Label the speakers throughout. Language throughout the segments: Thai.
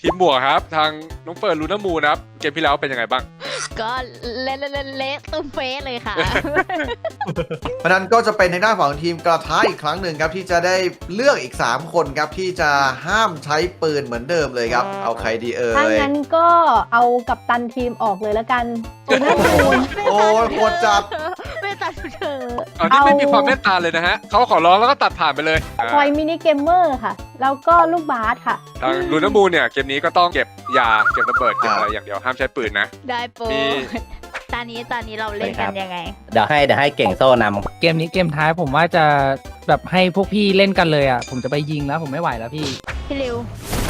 Speaker 1: ทีมบวกครับทางน้องเฟิร์นลูน่ามูนครับเกมที่แล้วเป็นยังไงบ้าง
Speaker 2: ก็เละตุ้มเฟ้เลยค่ะ
Speaker 3: เพราะนั้นก็จะเป็นในหน้านของทีมกระท้าอีกครั้งหนึ่งครับที่จะได้เลือกอีก3คนครับที่จะห้ามใช้ปืนเหมือนเดิมเลยครับเอาใครดี
Speaker 4: ถ้างั้นก็เอากัปตันทีมออกเลยแล้วกันโอ้น่าดูน
Speaker 3: โอ้ยโคตรจัด
Speaker 2: ไม่ตัดเธอ
Speaker 1: อันนี้ไม่มีความเมตตาเลยนะฮะเขาขอร้องแล้วก็ตัดผ่านไปเลย
Speaker 4: คอยมินิเกมเมอร์ค่ะ แล้วก็ลูกบาสค่ะ
Speaker 1: ทางลูน่ามูนเนี่ยเกมนี้ก็ต้องเก็บยาเก็บระเบิดเก็บอะไรอย่างเดียวห้ามใช้ปืนนะ
Speaker 2: ได้โปรตอนนี้เราเล่นกันยังไง
Speaker 5: เดี๋ยวให้เก่งโซ่นำ
Speaker 6: เกมนี้เกมท้ายผมว่าจะแบบให้พวกพี่เล่นกันเลยอ่ะผมจะไปยิงแล้วผมไม่ไหวแล้วพี่
Speaker 2: ริว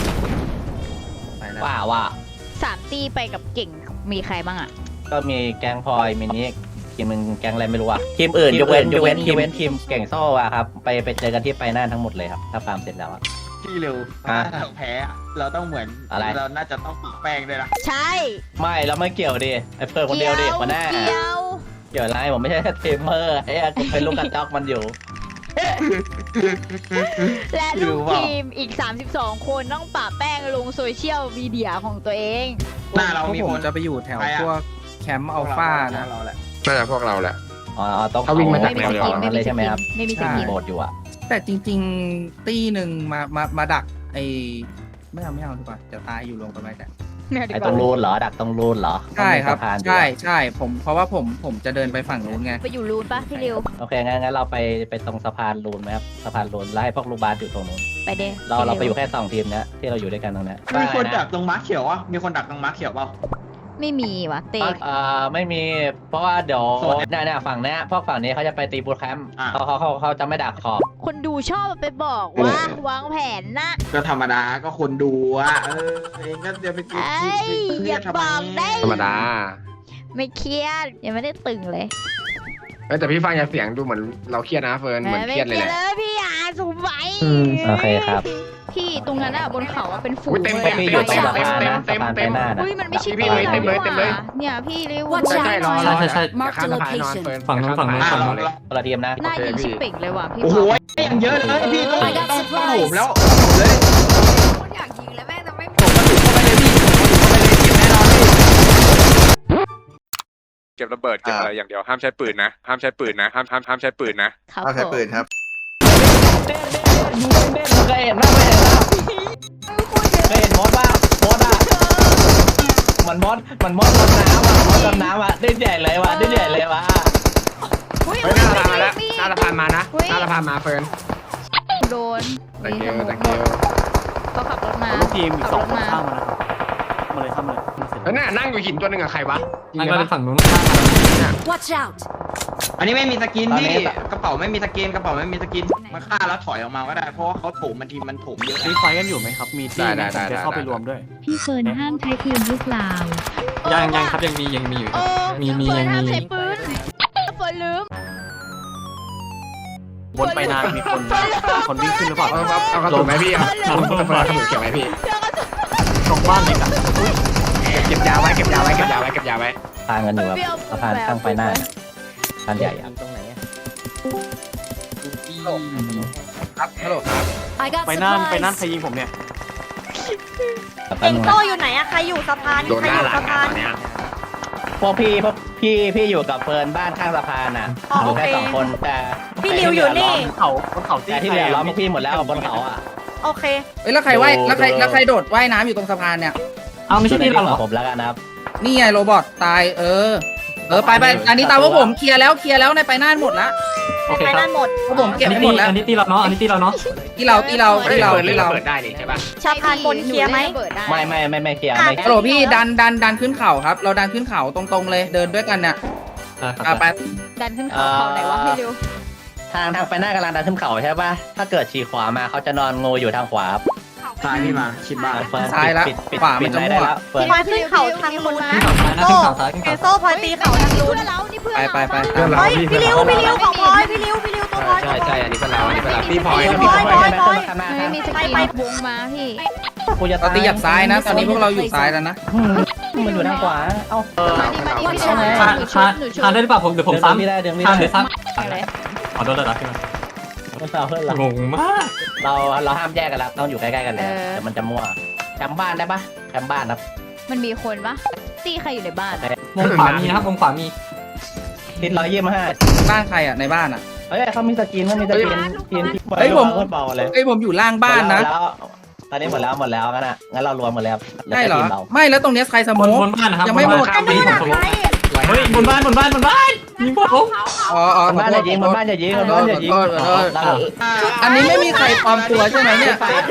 Speaker 5: ว่า
Speaker 2: 3 ตีไปกับเก่งมีใครบ้างอ่ะ
Speaker 5: ก็มีแกงพลอยมินิทีมมึงแกงอะไรไม่รู้อะทีมอื่นยกเว้นทีมเก่งโซ่อะครับไปเจอกันที่ไปน่านทั้งหมดเลยครับถ้าฟาร์มเสร็จแล้วอะ
Speaker 7: พี่เร็วถ้าเราแพ้เราต้องเหมือน
Speaker 5: อะไร
Speaker 7: เราน่าจะต้องปะแป้งด้วยนะ
Speaker 2: ใช่
Speaker 5: ไม่เราไม่เกี่ยวดิไอ้เฟิร์นคนเดียวดิมาแน่เกี่ยวอะไรผมไม่ใช่เทมเมอร์ไอ้กูเป็นลูกกระจอกมันอยู่
Speaker 2: และลูกทีมอีก32คนต้องปะแป้งลงโซเชียลมีเดียของตัวเอง
Speaker 7: หน้าเรามีคน
Speaker 6: จะไปอยู่แถวพวกแคมป์อัลฟานะ
Speaker 1: น่าจะพวกเราแหละ
Speaker 5: ต้อง
Speaker 6: เขาวิ่งมาจากแนว
Speaker 5: เลยใช่ไหมครับ
Speaker 2: ไม่มีสกิน
Speaker 5: โหมดอยู่อะ
Speaker 6: แต่จริงๆตีหนึ่งมาดักไอไม่เอาดีกว่าจะตายอยู่รวมกันไปแต่
Speaker 5: ไอตรงรูนเหรอดักตรงรูนเหรอ
Speaker 6: ใช่ครับใช่ผมเพราะว่าผมจะเดินไปฝั่งนู้นไง
Speaker 2: ไปอยู่รูนปะพี่ริว
Speaker 5: โอเคงั้นเราไปตรงสะพานรูนไหมครับสะพานรูนแล้วให้พวกลูกบาสอยู่ตรงนู้น
Speaker 2: ไปเด้
Speaker 5: เราไปอยู่แค่2 ทีมนี้ที่เราอยู่ด้วยกันตรงนี้
Speaker 7: มีคนดักตรงม้าเขียวอ่ะมีคนดักตรงม้าเขียวเปล่า
Speaker 2: ไม่มีวะเตะ
Speaker 5: ไม่มีเพราะว่าเดี๋ยวเนี่ยฝั่งนี้พวกฝั่งนี้เขาจะไปตีบูทแคมป์เขาจะไม่ดักขอบ
Speaker 2: คนดูชอบไปบอกว่าวางแผนนะ
Speaker 7: ก็ธรรมดาก็คนดูอ่ะเองก็เดี๋ยวไปกิน
Speaker 2: อย่าบอกได้
Speaker 1: ธรรมดา
Speaker 2: ไม่เครียดยังไม่ได้ตึงเลย
Speaker 1: แต่พี่ฟังจากเสียงดูเหมือนเราเครียดนะเฟิร์นเหมือนเครียดเลยแหละ
Speaker 2: พี่สูบไว้
Speaker 5: โอเคครับ
Speaker 2: พี่ตรงนั้นอะบนเขาอะเป็นฝูง
Speaker 5: เต็มอยู่ตรงสะพานนะสะพานไปหน้านะ
Speaker 2: มันไม่ใช่
Speaker 1: พี่เต็มเลย
Speaker 2: เนี่ยพี่เร็ว
Speaker 1: ใช่รอ
Speaker 6: ใช่ฝั่งนู้น
Speaker 5: เลยคนละทีมนะ
Speaker 2: หน้ายิงชิปเป่งเลยว่ะพี่
Speaker 7: โอ้โหยังเยอะเลยพี่ต้องโหมแล้วเลย
Speaker 2: คนอยากยิงแล้วแม่แต่ไม่
Speaker 1: เก็บระเบิดเก็บอะไรอย่างเดียวห้ามใช้ปืนนะห้ามใช้ปืนนะห้ามใช้ปืนนะ
Speaker 3: ห้ามใช้ปืนครับ
Speaker 5: เคยเห็นมดป่ะมันมดดำน้ำอ่ะได้ใหญ่เลยว่ะ
Speaker 1: หน้าสะพานมาแล้วหน้าสะพานมานะหน้าสะพานมาเฟิร์น
Speaker 2: โดน
Speaker 1: ตะเกียว
Speaker 2: เขาขับรถมา
Speaker 6: ทีมอีก2 คนข้ามมาแล้วเข้ามาเลย
Speaker 1: แล้วน่ะนั่งอยู่หินตัวหนึ่งกับใครวะ
Speaker 6: นั่งไปฝั่งนู้น
Speaker 2: Watch out
Speaker 7: อันนี้ไม่มีสกินพี่กระเป๋าไม่มีสกินมาฆ่าแล้วถอยออกมาก็ได้เพราะว่าเขาโถมมันทีมันโถมเยอะ
Speaker 6: มีไฟกันอยู่ไหมครับมีที่จะเข้าไปรวมด้วย
Speaker 8: พี่เฟิร์นห้ามใช้ปืนหรือเปล่า
Speaker 6: ยังครับยังมีอยู่มี
Speaker 2: ห้ามใช้ปืนเฟิร์นลืม
Speaker 6: บนไปนานมีคนวิ่งขึ้นหรือเปล่า
Speaker 1: เอากระสุนไหมพี่เอากระสุนเกี่ยวไหมพี่
Speaker 6: ตรงบ้านเด็กอะ
Speaker 1: เก็บยาไว้
Speaker 5: ทางกันอยู่ครับสะพานข้างไปหน้าทางใหญ่ตรงไหน
Speaker 1: ครับฮัลโหลครับ
Speaker 6: ไปนั่นใครยิงผมเนี่ย
Speaker 2: เก่งโซ่อยู่ไหนอะใครอยู่สะพาน
Speaker 1: ใครอยู่สะพาน
Speaker 5: พวกพี่อยู่กับเฟิร์นบ้านข้างสะพานน่ะอยู่แค่2 คนแต่
Speaker 2: พี่ริวอยู่นี่
Speaker 6: เขา
Speaker 5: แต่ที่เหลือล้อมพวกพี่หมดแล้วบนเขาอ่ะ
Speaker 2: โอเค
Speaker 6: แล้วใครใครโดดว่ายน้ำอยู่ตรงสะพานเนี่ยเอาไม่ใช่ที่เราเหรอ
Speaker 5: ผมแล้วกันนะครับ
Speaker 6: นี่ไงโรบอทตายไปอันนี้ตามว่าผมเคลียร์แล้วในไปน่านหมดละโอเคครับผมเก็บหมดแล้วอันนี้ตีเราเนาะที่เราเปิดได้นี่ใช่ป่ะ
Speaker 2: ชาพานบนเคลียร์ไหม
Speaker 5: ไม่เคลียร์
Speaker 6: ฮัลโหลพี่ดันขึ้นเขาครับเราดันขึ้นเขาตรงๆเลยเดินด้วยกันเนี่ยไป
Speaker 2: ดันขึ้นเขาไหนวะให้ดู
Speaker 5: ทางไปหน้ากำลังดันขึ้นเขาใช่ป่ะถ้าเกิดฉีกขวามาเขาจะนอนงูอยู่ทางขวา
Speaker 7: ซ้ายพี่มาชิดบ้าน
Speaker 6: ซ้ายแล้วขวามันจะมั่ว
Speaker 2: พี่พลอยขึ้นเขาทางนู้นนะโซ่พลอยตีเขาทางนู้น
Speaker 6: ไป
Speaker 2: พี่ริวของพลอยพี่ริวตัวพลอย
Speaker 1: ใช่อันนี้เป็นเราพี่พลอย
Speaker 2: ไม่มีสกิลวงมาพี่
Speaker 6: เราตีหยัดซ้ายนะตอนนี้พวกเราอยู่ซ้ายแล้วนะ
Speaker 5: มันอยู่ทางขวาเอ้า
Speaker 6: ทานได้หรือเปล่าเดี๋ยวผมซ้ำทานเดี๋ยวซ้
Speaker 2: ำ
Speaker 6: ขอโทษเลยนะพี่งงมาก
Speaker 5: เราห้ามแยกกันแล้วต้องอยู่ใกล้ๆกันเลยแต่มันจะมั่วจำบ้านได้ปะแคมป์บ้านครับ
Speaker 2: มันมีคนปะตีใครอยู่ในบ้านอะ
Speaker 9: มุมขวามีนะครับมุมขวามี
Speaker 5: ทิศ125
Speaker 6: บ้านใครอ่ะในบ้านอ่ะ
Speaker 5: เฮ้ยเขามีสกินทีม
Speaker 6: เฮ้ยผม
Speaker 5: โคตรเบาเลย
Speaker 6: เอ้ยผมอยู่ล่างบ้านนะ
Speaker 5: แล้วตอนนี้หมดแล้วงั้นอ่ะงั้นเรารวมหมดแล้ว
Speaker 6: ใช่เหรอ
Speaker 5: ทีมเรา
Speaker 6: ไม่แล้วตรงเนี้ยใครส
Speaker 9: บ
Speaker 6: โม
Speaker 9: น
Speaker 6: ก
Speaker 9: บนบ้านนะครับ
Speaker 6: ยังไม่หมด
Speaker 9: บนบ้านมีผมเฮ้ยบนบ้านยิงผม
Speaker 6: อ๋อ
Speaker 5: บนบ้านอย่ายิงบนบ้านอย่ายิงบนบ้านอย่ายิง
Speaker 6: อันนี้ไม่มีใครปลอมตัวใช่ไหมเนี่ย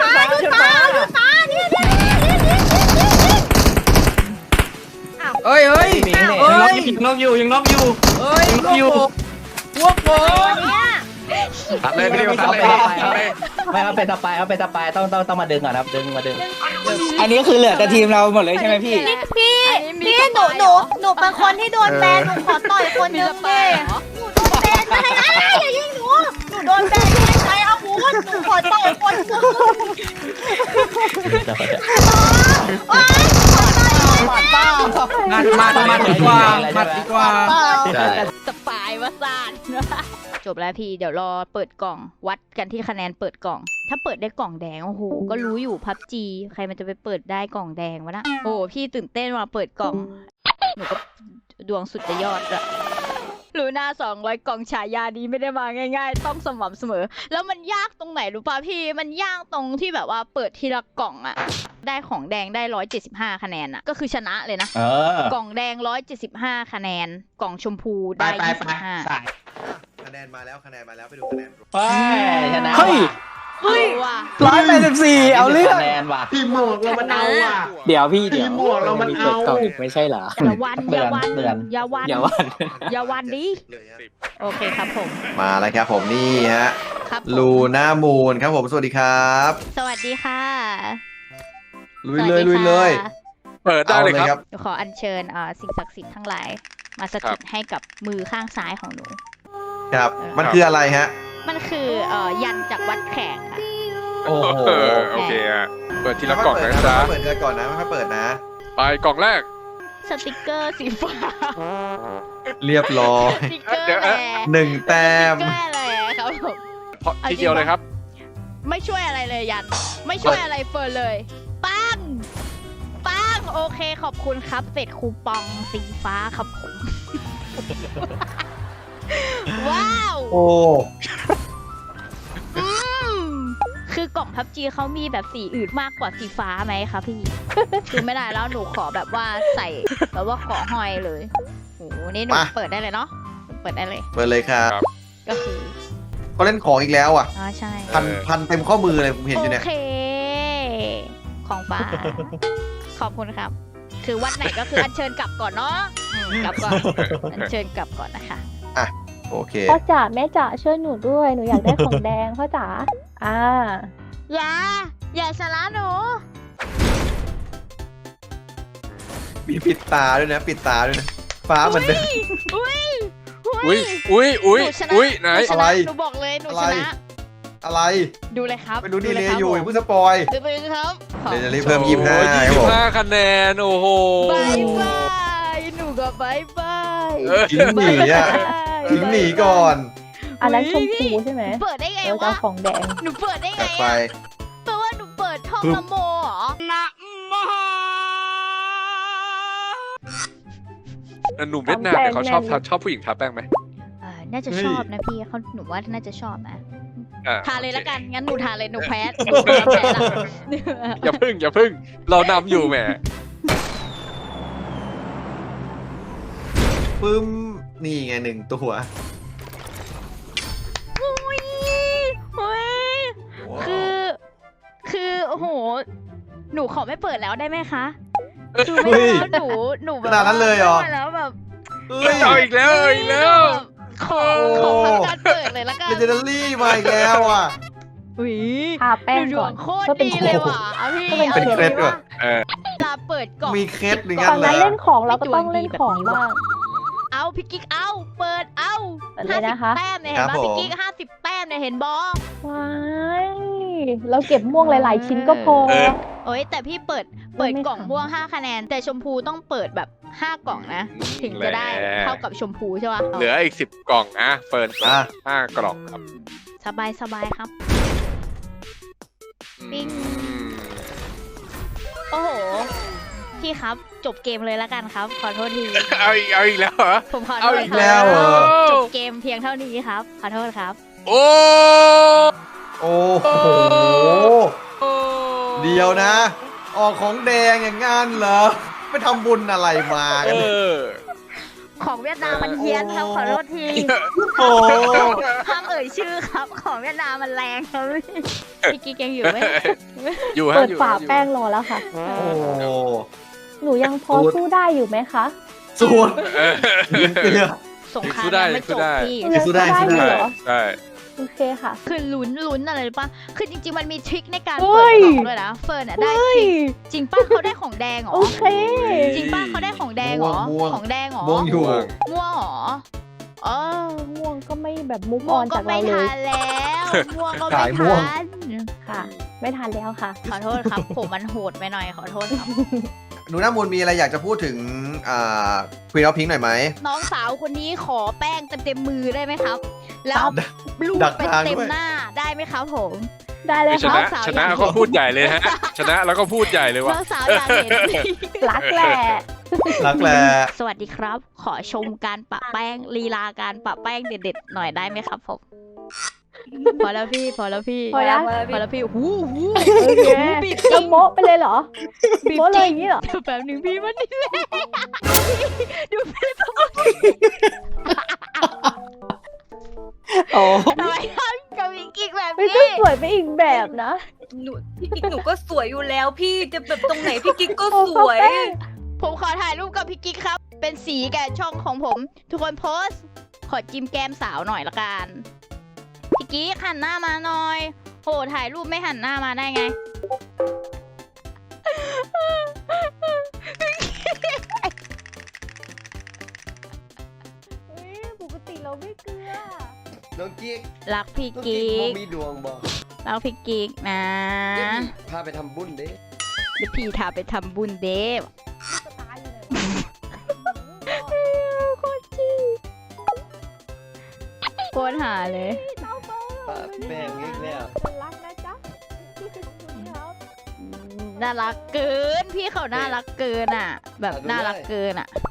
Speaker 6: เฮ้ยเฮ้ย
Speaker 5: หมีเนี่ย
Speaker 9: ยังน็อกอยู่ยังน็อกอยู่
Speaker 6: เฮ้ยพวกผม
Speaker 1: ตัดเลยพี่ดิวตัดเลยตัดเลย
Speaker 5: ไม่เอาเป็นตะปายต้องมาดึงก่อนครับมาดึง
Speaker 6: อันนี้คือเหลือแต่ทีมเราหมดเลยใช่ไหมพี่
Speaker 2: พี่หนู
Speaker 4: เป็นคนที่โดนแบนหนูขอต่อยคนนึงเลย
Speaker 2: แบนไม่ให้อย่ายิงหนูโดนแบนไม่ใช้อาวุธหนูขอต่อยคนนึง
Speaker 6: มาดีกว่า
Speaker 2: สปายวาซานจบแล้วพี่เดี๋ยวรอเปิดกล่องวัดกันที่คะแนนเปิดกล่อง ถ้าเปิดได้กล่องแดงโอ้โหก็รู้อยู่พับจีใครมันจะไปเปิดได้กล่องแดงวะนะโอ้พี่ตื่นเต้นมาเปิดกล่องหนูก็ดวงสุดจะยอดอะลูน่า200 กล่องฉายานี้ไม่ได้มาง่ายๆต้องสม่ำเสมอแล้วมันยากตรงไหนรู้ป่ะพี่มันยากตรงที่แบบว่าเปิดทีละกล่องอะได้ของแดงได้175คะแนนอะก็คือชนะเลยนะกล่องแดง175คะแนนกล่องชมพูได้25
Speaker 3: คะแนนมาแล้วไปดูคะแนน
Speaker 5: ไปชนะ
Speaker 6: เฮ้ย
Speaker 2: ว่ะ
Speaker 6: 184เอาเรื่อง
Speaker 5: คะแนนว่ะ
Speaker 7: ทีมหมวกเรามันเอาอ่ะ
Speaker 6: เดี๋ยวพี่
Speaker 7: ทีมหมวกเรามันเอา
Speaker 6: ไม่ใช่เหรอ
Speaker 2: อย่าวันดิ
Speaker 3: เลยฮะ
Speaker 2: โอเคครับผม
Speaker 3: มาแล้วครับผมนี่ฮะ
Speaker 2: ครับผม
Speaker 3: ลูน่ามูนครับผมสวัสดีครับ
Speaker 2: สวัสดีค่ะ
Speaker 3: ลุยเลย
Speaker 1: เปิดได้เลยครับ
Speaker 2: เดี๋ยวขออัญเชิญสิ่งศักดิ์สิทธิ์ทั้งหลายมาสถิตให้กับมือข้างซ้ายของหนู
Speaker 3: ครับ มันคืออะไรฮะ
Speaker 2: มันคือยันจากวัดแขกค่ะ
Speaker 3: โอ้โห
Speaker 1: โอเคอ่ะเปิดทีละกล่องนะจ๊ะ
Speaker 3: เปิดทีละก่อนนะไม่ค่อยเปิดนะ
Speaker 1: ไปกล่องแรก
Speaker 2: สติกเกอร์สีฟ้า
Speaker 3: เรียบร้อย
Speaker 2: สติกเกอร์แหละ
Speaker 3: 1 แต้ม
Speaker 2: สติกเกอร์อะไรครับผม
Speaker 1: เพราะทีเดียวเลยครับ
Speaker 2: ไม่ช่วยอะไรเลยยัน ไม่ช่วยอะไรเฟิร์นเลยปังโอเคขอบคุณครับเศษคูปองสีฟ้าครับผม ว้าว
Speaker 3: โอ้
Speaker 2: คือกล่องพับจีเขามีแบบสีอื่นมากกว่าสีฟ้าไหมคะพี่ คือไม่ได้แล้วหนูขอแบบว่าใส่แบบว่าขอห้อยเลยโอ้โหนี่หนูเปิดได้เลยเนาะเปิดได้เลย
Speaker 3: เปิดเลยครับ
Speaker 2: ก็คือ
Speaker 3: เขาเล่นของอีกแล้วอ่ะ
Speaker 2: ใช่
Speaker 3: พันเต็มข้อมือเลยผมเห็นอยู่
Speaker 2: โอ
Speaker 3: เนี่ย
Speaker 2: เค ของฟ้า ขอบคุณครับ คือวัดไหนก็คืออัญเชิญกลับก่อนเนาะกลับก่อนอัญเชิญกลับก่อนนะคะ
Speaker 3: โอเค
Speaker 4: พ่อจ๋าแม่จ๋าช่วยหนูด้วยหนูอยากได้ของแดงพ่อจ๋า
Speaker 2: อย่าสาระหนู
Speaker 3: มีปิดตาด้วยนะฟ้าเหมือนเดิม
Speaker 1: อุ้ยไหน
Speaker 3: อะไร
Speaker 2: หนูบอกเลยหนูชนะ
Speaker 3: อะไร
Speaker 2: ดูเลยครับ
Speaker 3: ไปดูดีเลย
Speaker 2: ครับ
Speaker 3: อยู่
Speaker 2: ผม
Speaker 3: อย่าเพิ่งสปอย
Speaker 2: ดูเลยครับ
Speaker 3: เดี๋ยวจะรีบเพิ่ม25ครับผม
Speaker 1: 25คะแนนโอ้โห
Speaker 2: บายบายหนูก็บายบาย
Speaker 3: ทิ้งหนีอ่ะทิ้งหนีก่อน
Speaker 4: อันนั้นชมพูใช่ไหม
Speaker 2: เปิดได้ไง
Speaker 4: เราจะ
Speaker 2: วะ
Speaker 4: เอาของแดง
Speaker 2: หนูเปิดได้ไง
Speaker 3: จัดไป
Speaker 2: แปลว่าหนูเปิดท่องนะโมเหรอ
Speaker 1: หนุ่มเวียดนามเนี่ยเขาชอบผู้หญิงทาแป้งไหม
Speaker 2: น่าจะชอบนะพี่เขาหนูว่าน่าจะชอบนะ ทาเลยละกัน งั้นหนูทาเลยหนูแพ้หนูแพ้ละ
Speaker 1: อย่าพึ่งเรานำอยู่แหม
Speaker 3: ปึ้มนี่ไง1 ตัว
Speaker 2: คือโอ้โห หนูขอไม่เปิดแล้วได้ไหมคะคือ
Speaker 3: เฮ้
Speaker 2: ไม่
Speaker 3: ย
Speaker 2: แล้วหนูแบบ
Speaker 3: ขนาดนั้นเลยเหรอ
Speaker 2: ไม่ได้แล้วแบบ
Speaker 3: เฮ้ย
Speaker 1: เอาอีกแล้ว
Speaker 2: ขอทำการเปิดเลยละกัน
Speaker 3: เลเจนดารี่มาอีกแล้วอ่ะ
Speaker 2: อุ้ย
Speaker 4: ทาแป้ง
Speaker 2: ด
Speaker 4: ก่
Speaker 2: ว
Speaker 4: อน
Speaker 2: งโคตรดีเลยว่ะเอาพี่
Speaker 3: เป็นเคล็ดด้วย
Speaker 2: จะเปิดกล่อง
Speaker 3: มีเคล็ดหนึ่ง
Speaker 4: ต
Speaker 3: อั
Speaker 4: อน น
Speaker 3: แล้
Speaker 4: นั้น
Speaker 3: ว
Speaker 4: เล่นของเราก็ต้องเล่นของบ้าง
Speaker 2: เอาพี่กิ๊กเอาเปิดเอา
Speaker 4: เปิดเลยนะคะ
Speaker 2: 50 แต้มเนี่ยเห็น
Speaker 3: ครั
Speaker 2: ป่ะ
Speaker 3: บผม
Speaker 2: พี่กิ๊ก50 แต้มเนี่ยเห็นบอ
Speaker 4: ว้ายเราเก็บม่วงหลาย ๆ ชิ้นก็พอ
Speaker 2: โอ้ยแต่พี่เปิดกล่องม่วง5 คะแนน แต่ชมพูต้องเปิดแบบ5 กล่องนะ ถึงจะได้เท่ากับชมพูใช่ป่ะ
Speaker 1: เหลืออีก10 กล่องนะเปิด 5 กล่องครับ
Speaker 2: สบายครับ ปิ้งโอ้โห พี่ครับจบเกมเลยละกันครับ ขอโทษที
Speaker 1: เอาอีกแล้วเหรอ
Speaker 2: ผมขอโท
Speaker 1: เอา
Speaker 2: ษ
Speaker 1: อีก
Speaker 2: ค
Speaker 3: แล้
Speaker 2: รั
Speaker 3: วเหรอ
Speaker 2: จบเกมเพียงเท่านี้ครับ ขอโทษครับ
Speaker 1: โอ้
Speaker 3: โอ้โห เดียวนะ ออกของแดงอย่างงั้นเหรอไปทำบุญอะไรมากันเนี่ย
Speaker 2: ของเวียดนามมันเฮี้ยนครับ ขอโทษที
Speaker 3: โอ้
Speaker 2: ห้ามเอ่ยชื่อครับ ของเวียดนามมันแรงครับพี่กิ๊กยังอยู่ไหม
Speaker 1: อยู่ฮะ
Speaker 4: เปิด
Speaker 1: อยู่
Speaker 4: ฝา
Speaker 1: อยู่
Speaker 4: แป้งรอแล้วค่ะ
Speaker 3: โห
Speaker 4: หนูยังพอสู้ได้อยู่ไหมคะ
Speaker 3: ส่วนเกลือ
Speaker 2: สงคราม
Speaker 1: สู้ได้
Speaker 2: ยังไม่จบ
Speaker 1: สู้ได้
Speaker 2: พี่
Speaker 4: ยังสู้ได้
Speaker 3: สู้ได้
Speaker 4: อยู่เหรอ
Speaker 1: ใช่
Speaker 4: โอเคค่ะ
Speaker 2: คือลุ้นอะไรหรือปะคือจริงๆมันมีทริคในการ
Speaker 4: เฮ้
Speaker 2: เปิด
Speaker 4: ย
Speaker 2: กล่องด้วยนะ เฟิร์นอะได้ทริคจริงป้ะเขาได้ของแดงเหรอ
Speaker 4: โอเค
Speaker 2: จริงป้ะเขาได้ของแดงเหรอ
Speaker 3: ม่วง
Speaker 2: ของแดงเหรอ
Speaker 3: ม่วงอยู่
Speaker 2: ม่วงเหรอเออ
Speaker 4: ม่วงก็ไม่แบบมุกอ
Speaker 2: ม่ว
Speaker 4: อง น
Speaker 2: ก็
Speaker 4: จาก
Speaker 2: ไม่
Speaker 4: เราเลย
Speaker 2: ทันแล้วม่วงก็
Speaker 3: ขา
Speaker 2: ไม่
Speaker 3: ยม่วง
Speaker 2: ทัน
Speaker 4: ค่ะ ไม่ทันแล้วค่ะ
Speaker 2: ขอโทษครับ ผมมันโหดไปหน่อยขอโทษครับ
Speaker 3: หนูน้ามูลมีอะไรอยากจะพูดถึงควีนออฟพิงค์หน่อยไหม
Speaker 2: น้องสาวคนนี้ขอแป้งเต็มมือได้ไหมครับ แล้วลูก
Speaker 3: ดัก
Speaker 2: เป็น
Speaker 3: ทาง
Speaker 2: เต็ม
Speaker 3: ด้วย
Speaker 2: หน้าได้ไหมครับผม
Speaker 4: ได้เลย
Speaker 1: ช
Speaker 4: ค่ะ
Speaker 1: นะ
Speaker 2: สาว
Speaker 1: ชนะ
Speaker 2: อยาก
Speaker 1: ก็พูดใหญ่เลยฮะ ชนะแล้วก็พูดใหญ่เลย
Speaker 2: น้
Speaker 1: ว่ะ
Speaker 2: องสาวอยากเห็น
Speaker 4: รักแหละ
Speaker 3: รักแหละ
Speaker 2: สวัสดีครับ ขอชมการปะแป้งลีลาการปะแป้งเด็ดๆหน่อยได้ไหมครับผม พอแล้วพี่ พอแล้วพี่
Speaker 4: พอแล้ว
Speaker 2: พอแล้วพี่หู
Speaker 4: โอเค
Speaker 2: บีบ
Speaker 4: จะโบ๊ะไปเลยเหรอ
Speaker 2: บีบ
Speaker 4: โบ๊ะเล
Speaker 2: จ
Speaker 4: ย
Speaker 2: ริ
Speaker 4: อย่างนี้เหรอ
Speaker 2: เดี๋ยวแป๊บหนึงพี่มันนี่แหละดูพี่ทำไม
Speaker 3: โอ้
Speaker 2: ทำไมทำกับอีกอีกแบบ
Speaker 4: ไม่
Speaker 2: นี้
Speaker 4: ก็สวยไปอีกแบบนะ
Speaker 10: พี่กิ๊กหนูก็สวยอยู่แล้วพี่จะแบบตรงไหนพี่กิ๊กก็
Speaker 4: โอ้
Speaker 10: สวย
Speaker 4: แป้ง
Speaker 2: ผมขอถ่ายรูปกับพี่กิ๊กครับ เป็นสีแก่ช่องของผม ทุกคนโพสต์ ขอจิ้มแก้มสาวหน่อยละกัน พี่กิ๊กหันหน้ามาหน่อยโหถ่ายรูปไม่หันหน้ามาได้ไง
Speaker 4: ปกติเราไม่เกลือ
Speaker 3: น้องกิ๊ก
Speaker 2: รักพี่
Speaker 3: น้อง
Speaker 2: กิ๊
Speaker 3: บ่
Speaker 2: ก
Speaker 3: มีดวงบอก
Speaker 2: รักพี่กิ๊กนะ
Speaker 3: พาไปทำบุญเด้
Speaker 2: เดี๋ยวพี่ทาไปทำบุญเดฟ
Speaker 4: สตาร์อยู่ไหนวะ
Speaker 2: โคตรจี้โคตรหาเลย
Speaker 3: แม่งอีกแล้ว
Speaker 4: ฉันรักนะจ๊ะครับ
Speaker 2: น่ารักเกิน พี่เขาน่ารักเกินอ่ะ แบบน่ารักเกินอ่ะ